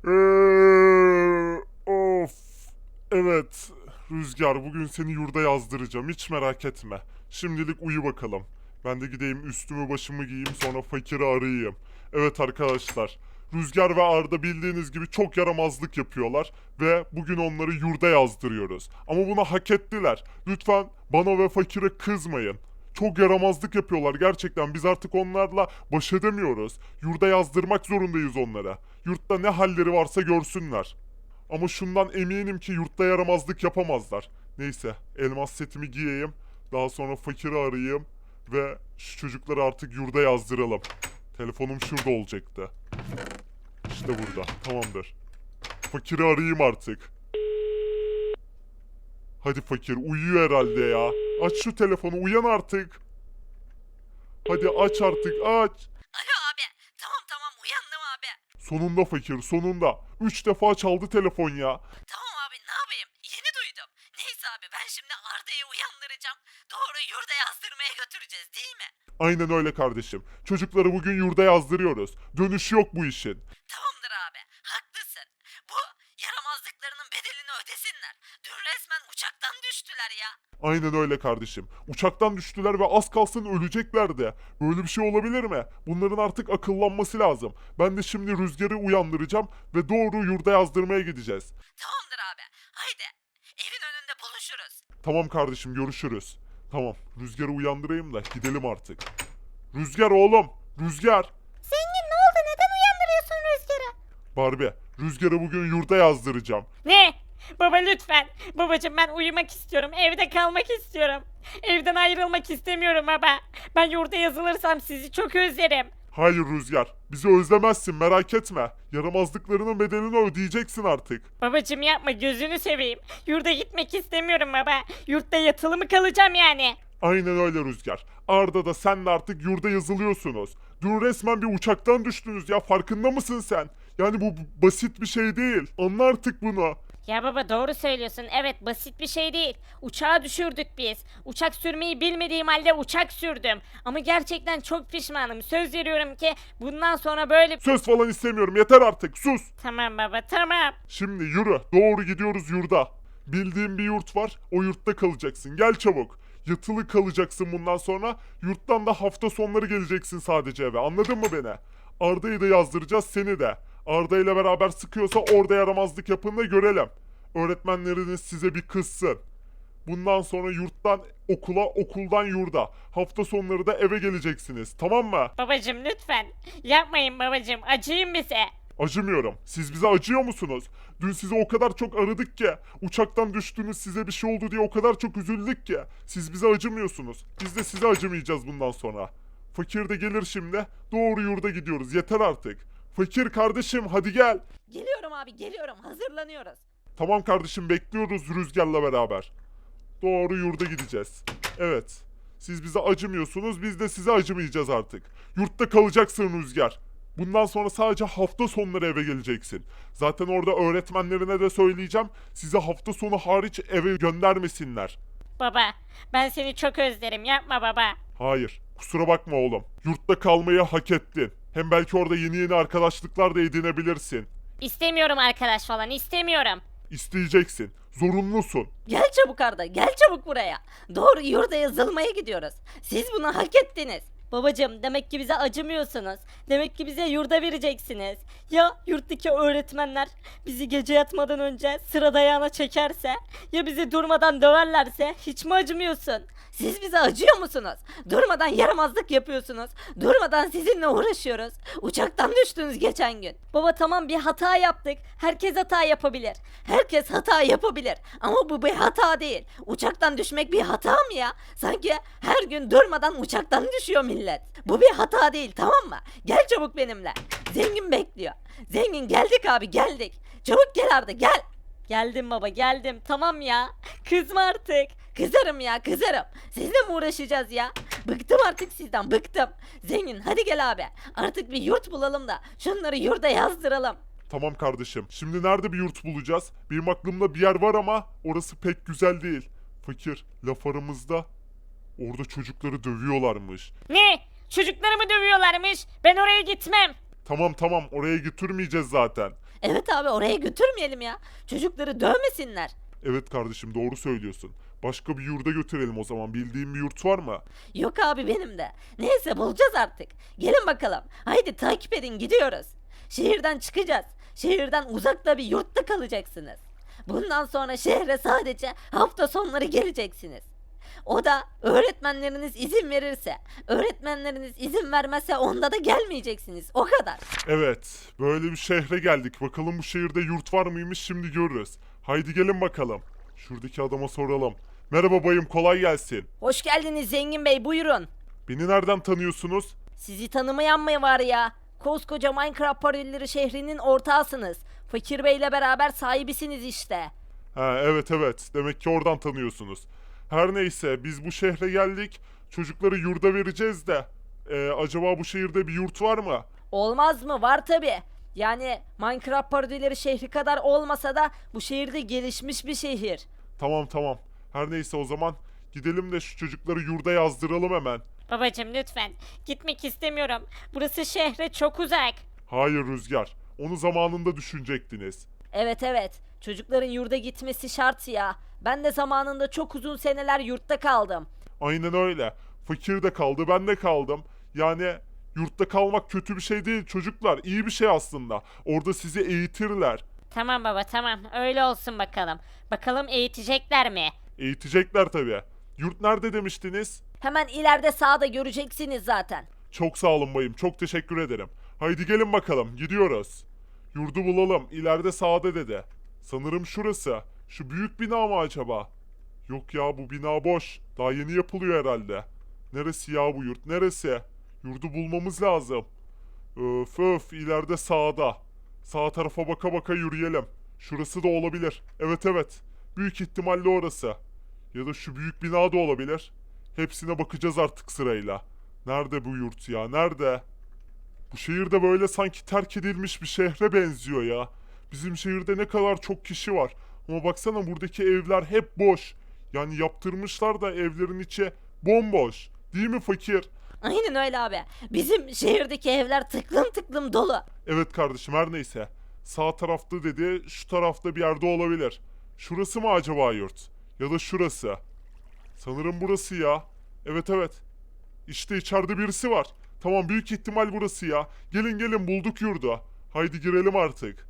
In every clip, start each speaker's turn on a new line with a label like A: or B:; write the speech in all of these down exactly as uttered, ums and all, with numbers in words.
A: Eee, of. Evet. Rüzgar, bugün seni yurda yazdıracağım. Hiç merak etme. Şimdilik uyu bakalım. Ben de gideyim üstümü başımı giyeyim, sonra fakiri arayayım. Evet arkadaşlar. Rüzgar ve Arda bildiğiniz gibi çok yaramazlık yapıyorlar ve bugün onları yurda yazdırıyoruz. Ama bunu hak ettiler. Lütfen bana ve fakire kızmayın. Çok yaramazlık yapıyorlar gerçekten. Biz artık onlarla baş edemiyoruz. Yurda yazdırmak zorundayız onlara. Yurtta ne halleri varsa görsünler. Ama şundan eminim ki yurtta yaramazlık yapamazlar. Neyse, elmas setimi giyeyim. Daha sonra fakiri arayayım ve şu çocukları artık yurda yazdıralım. Telefonum şurada olacaktı. İşte burada. Tamamdır. Fakiri arayayım artık. Hadi fakir, uyuyor herhalde ya. Aç şu telefonu, uyan artık. Hadi aç artık, aç.
B: Alo abi. Tamam tamam uyandım abi.
A: Sonunda fakir, sonunda. Üç defa çaldı telefon ya.
B: Tamam abi ne yapayım? Yeni duydum. Neyse abi ben şimdi Arda'yı uyandıracağım. Doğru yurda yazdırmaya götüreceğiz değil mi?
A: Aynen öyle kardeşim. Çocukları bugün yurda yazdırıyoruz. Dönüşü yok bu işin.
B: Tamamdır abi. Haklısın. Bu yaramazlıklarının bedelini ödesinler. Dün resmen uçaktan düştüler ya.
A: Aynen öyle kardeşim. Uçaktan düştüler ve az kalsın öleceklerdi. Böyle bir şey olabilir mi? Bunların artık akıllanması lazım. Ben de şimdi Rüzgar'ı uyandıracağım ve doğru yurda yazdırmaya gideceğiz.
B: Tamamdır abi. Haydi. Evin önünde buluşuruz.
A: Tamam kardeşim, görüşürüz. Tamam, Rüzgar'ı uyandırayım da gidelim artık. Rüzgar oğlum, Rüzgar.
B: Zengin ne oldu? Neden uyandırıyorsun Rüzgar'ı?
A: Barbie, Rüzgar'ı bugün yurda yazdıracağım.
C: Ne? Baba lütfen. Babacım ben uyumak istiyorum. Evde kalmak istiyorum. Evden ayrılmak istemiyorum baba. Ben yurda yazılırsam sizi çok özlerim.
A: Hayır Rüzgar, bizi özlemezsin, merak etme. Yaramazlıklarının bedelini ödeyeceksin artık.
C: Babacım yapma, gözünü seveyim. Yurda gitmek istemiyorum baba. Yurtta yatılı mı kalacağım yani?
A: Aynen öyle Rüzgar. Arda da sen de artık yurda yazılıyorsunuz. Dün resmen bir uçaktan düştünüz ya, farkında mısın sen? Yani bu b- basit bir şey değil. Anla artık bunu.
C: Ya baba doğru söylüyorsun. Evet, basit bir şey değil. Uçağa düşürdük biz. Uçak sürmeyi bilmediğim halde uçak sürdüm. Ama gerçekten çok pişmanım. Söz veriyorum ki bundan sonra böyle...
A: Söz falan istemiyorum, yeter artık, sus.
C: Tamam baba, tamam.
A: Şimdi yürü, doğru gidiyoruz yurda. Bildiğim bir yurt var, o yurtta kalacaksın. Gel çabuk. Yatılı kalacaksın bundan sonra. Yurttan da hafta sonları geleceksin sadece eve. Anladın mı beni? Arda'yı da yazdıracağız, seni de. Arda ile beraber sıkıyorsa orada yaramazlık yapın da görelim. Öğretmenleriniz size bir kızsın. Bundan sonra yurttan okula, okuldan yurda. Hafta sonları da eve geleceksiniz. Tamam mı?
C: Babacım lütfen. Yapmayın babacım. Acıyın bize.
A: Acımıyorum. Siz bize acıyor musunuz? Dün sizi o kadar çok aradık ki. Uçaktan düştünüz, size bir şey oldu diye o kadar çok üzüldük ki. Siz bize acımıyorsunuz. Biz de size acımayacağız bundan sonra. Fakir de gelir şimdi. Doğru yurda gidiyoruz. Yeter artık. Fakir kardeşim hadi gel.
B: Geliyorum abi geliyorum. Hazırlanıyoruz.
A: Tamam kardeşim, bekliyoruz Rüzgar'la beraber. Doğru yurda gideceğiz. Evet. Siz bize acımıyorsunuz, biz de size acımayacağız artık. Yurtta kalacaksın Rüzgar. Bundan sonra sadece hafta sonları eve geleceksin. Zaten orada öğretmenlerine de söyleyeceğim. Size hafta sonu hariç eve göndermesinler.
C: Baba, ben seni çok özlerim. Yapma baba.
A: Hayır, kusura bakma oğlum. Yurtta kalmayı hak ettin. Hem belki orada yeni yeni arkadaşlıklar da edinebilirsin.
C: İstemiyorum arkadaş falan, istemiyorum.
A: İsteyeceksin. Zorunlusun.
B: Gel çabuk Arda gel çabuk buraya. Doğru yurda yazılmaya gidiyoruz. Siz bunu hak ettiniz.
C: Babacım demek ki bize acımıyorsunuz. Demek ki bize yurda vereceksiniz. Ya yurttaki öğretmenler bizi gece yatmadan önce sıra dayağına çekerse? Ya bizi durmadan döverlerse? Hiç mi acımıyorsun?
B: Siz bize acıyor musunuz? Durmadan yaramazlık yapıyorsunuz. Durmadan sizinle uğraşıyoruz. Uçaktan düştünüz geçen gün.
C: Baba tamam, bir hata yaptık. Herkes hata yapabilir.
B: Herkes hata yapabilir ama bu bir hata değil. Uçaktan düşmek bir hata mı ya? Sanki her gün durmadan uçaktan düşüyor millet. Bu bir hata değil tamam mı? Gel çabuk benimle. Zengin bekliyor. Zengin geldik abi geldik. Çabuk gel Arda gel.
C: Geldim baba, geldim. Tamam ya. Kızma artık.
B: Kızarım ya kızarım. Sizle mi uğraşacağız ya? Bıktım artık sizden bıktım. Zengin hadi gel abi. Artık bir yurt bulalım da şunları yurda yazdıralım.
A: Tamam kardeşim. Şimdi nerede bir yurt bulacağız? Benim aklımda bir yer var ama orası pek güzel değil. Fakir, laf aramızda. Orada çocukları dövüyorlarmış.
C: Ne? Çocuklarımı dövüyorlarmış. Ben oraya gitmem.
A: Tamam tamam, oraya götürmeyeceğiz zaten.
B: Evet abi oraya götürmeyelim ya. Çocukları dövmesinler.
A: Evet kardeşim doğru söylüyorsun. Başka bir yurda götürelim o zaman. Bildiğin bir yurt var mı?
B: Yok abi benim de. Neyse bulacağız artık. Gelin bakalım. Haydi takip edin gidiyoruz. Şehirden çıkacağız. Şehirden uzakta bir yurtta kalacaksınız. Bundan sonra şehre sadece hafta sonları geleceksiniz. O da öğretmenleriniz izin verirse. Öğretmenleriniz izin vermezse onda da gelmeyeceksiniz. O kadar.
A: Evet, böyle bir şehre geldik. Bakalım bu şehirde yurt var mıymış şimdi görürüz. Haydi gelin bakalım. Şuradaki adama soralım. Merhaba bayım, kolay gelsin.
B: Hoş geldiniz Zengin Bey buyurun.
A: Beni nereden tanıyorsunuz?
B: Sizi tanımayan mı var ya? Koskoca Minecraft paralelleri şehrinin ortağısınız. Fakir Bey'le beraber sahibisiniz işte.
A: Ha evet evet, demek ki oradan tanıyorsunuz. Her neyse biz bu şehre geldik. Çocukları yurda vereceğiz de. Ee, acaba bu şehirde bir yurt var mı?
B: Olmaz mı? Var tabi. Yani Minecraft parodileri şehri kadar olmasa da bu şehirde gelişmiş bir şehir.
A: Tamam tamam. Her neyse o zaman gidelim de şu çocukları yurda yazdıralım hemen.
C: Babacım lütfen. Gitmek istemiyorum. Burası şehre çok uzak.
A: Hayır Rüzgar. Onu zamanında düşünecektiniz.
B: Evet evet. Çocukların yurda gitmesi şart ya. Ben de zamanında çok uzun seneler yurtta kaldım.
A: Aynen öyle. Fakir de kaldı, ben de kaldım. Yani yurtta kalmak kötü bir şey değil çocuklar. İyi bir şey aslında. Orada sizi eğitirler.
C: Tamam baba tamam. Öyle olsun bakalım. Bakalım eğitecekler mi?
A: Eğitecekler tabii. Yurt nerede demiştiniz?
B: Hemen ileride sağda göreceksiniz zaten.
A: Çok sağ olun bayım. Çok teşekkür ederim. Haydi gelin bakalım. Gidiyoruz. Yurdu bulalım. İleride sağda dedi. Sanırım şurası. Şu büyük bina mı acaba? Yok ya bu bina boş. Daha yeni yapılıyor herhalde. Neresi ya bu yurt? Neresi? Yurdu bulmamız lazım. Öf öf ileride sağda. Sağ tarafa baka baka yürüyelim. Şurası da olabilir. Evet evet. Büyük ihtimalle orası. Ya da şu büyük bina da olabilir. Hepsine bakacağız artık sırayla. Nerede bu yurt ya? Nerede? Bu şehirde böyle sanki terk edilmiş bir şehre benziyor ya. Bizim şehirde ne kadar çok kişi var. Ama baksana buradaki evler hep boş. Yani yaptırmışlar da evlerin içi bomboş. Değil mi fakir?
B: Aynen öyle abi. Bizim şehirdeki evler tıklım tıklım dolu.
A: Evet kardeşim her neyse. Sağ tarafta dedi, şu tarafta bir yerde olabilir. Şurası mı acaba yurt? Ya da şurası. Sanırım burası ya. Evet evet. İşte içeride birisi var. Tamam büyük ihtimal burası ya. Gelin gelin bulduk yurdu. Haydi girelim artık.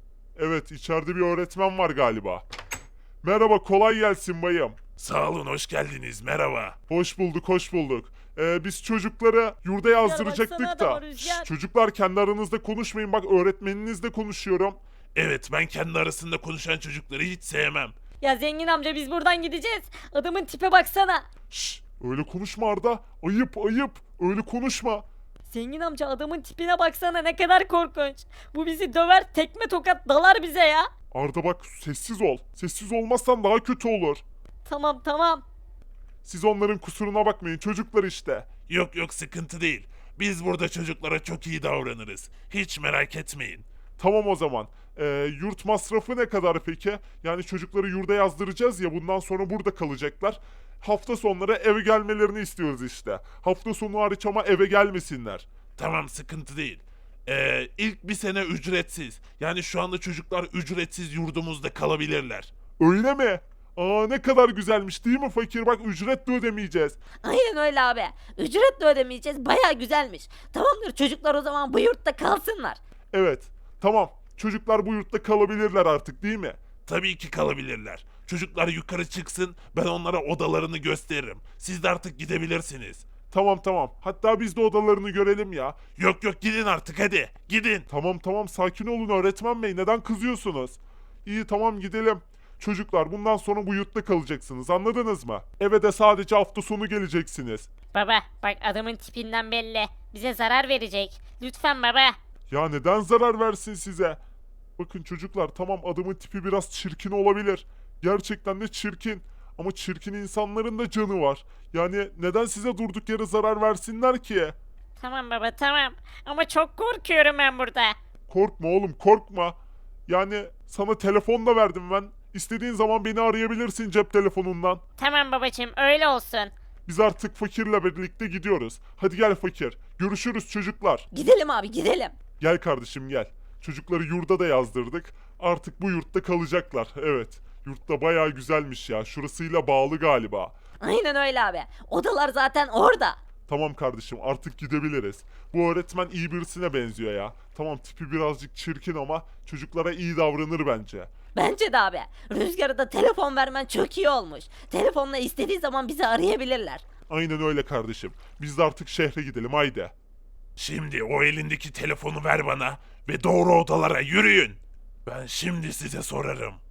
A: Evet içeride bir öğretmen var galiba. Merhaba kolay gelsin bayım.
D: Sağ olun, hoş geldiniz. Merhaba.
A: Hoş bulduk hoş bulduk. Ee, biz çocukları yurda yazdıracaktık
C: baksana
A: da.
C: adama, Rüzgar.
A: Şşş, çocuklar kendi aranızda konuşmayın bak öğretmeninizle konuşuyorum.
D: Evet, ben kendi arasında konuşan çocukları hiç sevmem.
C: Ya zengin amca biz buradan gideceğiz. Adamın tipe baksana.
A: Şşş öyle konuşma Arda. Ayıp ayıp öyle konuşma.
C: Zengin amca adamın tipine baksana ne kadar korkunç. Bu bizi döver tekme tokat dalar bize ya.
A: Arda bak sessiz ol. Sessiz olmazsan daha kötü olur.
C: Tamam tamam.
A: Siz onların kusuruna bakmayın çocuklar işte.
D: Yok yok, sıkıntı değil. Biz burada çocuklara çok iyi davranırız. Hiç merak etmeyin.
A: Tamam o zaman. Ee, yurt masrafı ne kadar peki? Yani çocukları yurda yazdıracağız ya bundan sonra burada kalacaklar. Hafta sonları eve gelmelerini istiyoruz işte. Hafta sonu hariç ama eve gelmesinler.
D: Tamam, sıkıntı değil. Ee, ilk bir sene ücretsiz. Yani şu anda çocuklar ücretsiz yurdumuzda kalabilirler.
A: Öyle mi? Aa ne kadar güzelmiş değil mi fakir? Bak ücret de ödemeyeceğiz.
B: Aynen öyle abi. Ücret de ödemeyeceğiz. Baya güzelmiş. Tamamdır çocuklar o zaman bu yurtta kalsınlar.
A: Evet. Tamam. Çocuklar bu yurtta kalabilirler artık değil mi?
D: Tabii ki kalabilirler. Çocuklar yukarı çıksın, ben onlara odalarını gösteririm. Siz de artık gidebilirsiniz.
A: Tamam tamam. Hatta biz de odalarını görelim ya.
D: Yok yok, gidin artık hadi. Gidin.
A: Tamam tamam sakin olun öğretmen bey. Neden kızıyorsunuz? İyi tamam gidelim. Çocuklar bundan sonra bu yurtta kalacaksınız anladınız mı? Eve de sadece hafta sonu geleceksiniz.
C: Baba bak adamın tipinden belli. Bize zarar verecek. Lütfen baba.
A: Ya neden zarar versin size? Bakın çocuklar tamam adamın tipi biraz çirkin olabilir. Gerçekten de çirkin. Ama çirkin insanların da canı var. Yani neden size durduk yere zarar versinler ki?
C: Tamam baba tamam. Ama çok korkuyorum ben burada.
A: Korkma oğlum korkma. Yani sana telefon da verdim ben. İstediğin zaman beni arayabilirsin cep telefonundan.
C: Tamam babacığım öyle olsun.
A: Biz artık fakirle birlikte gidiyoruz. Hadi gel fakir. Görüşürüz çocuklar.
B: Gidelim abi gidelim.
A: Gel kardeşim gel. Çocukları yurda da yazdırdık. Artık bu yurtta kalacaklar. Evet. Yurtta bayağı güzelmiş ya. Şurasıyla bağlı galiba.
B: Aynen öyle abi. Odalar zaten orada.
A: Tamam kardeşim artık gidebiliriz. Bu öğretmen iyi birisine benziyor ya. Tamam tipi birazcık çirkin ama çocuklara iyi davranır bence.
B: Bence de abi. Rüzgar'a da telefon vermen çok iyi olmuş. Telefonla istediği zaman bizi arayabilirler.
A: Aynen öyle kardeşim. Biz de artık şehre gidelim haydi.
D: Şimdi o elindeki telefonu ver bana ve doğru odalara yürüyün. Ben şimdi size sorarım.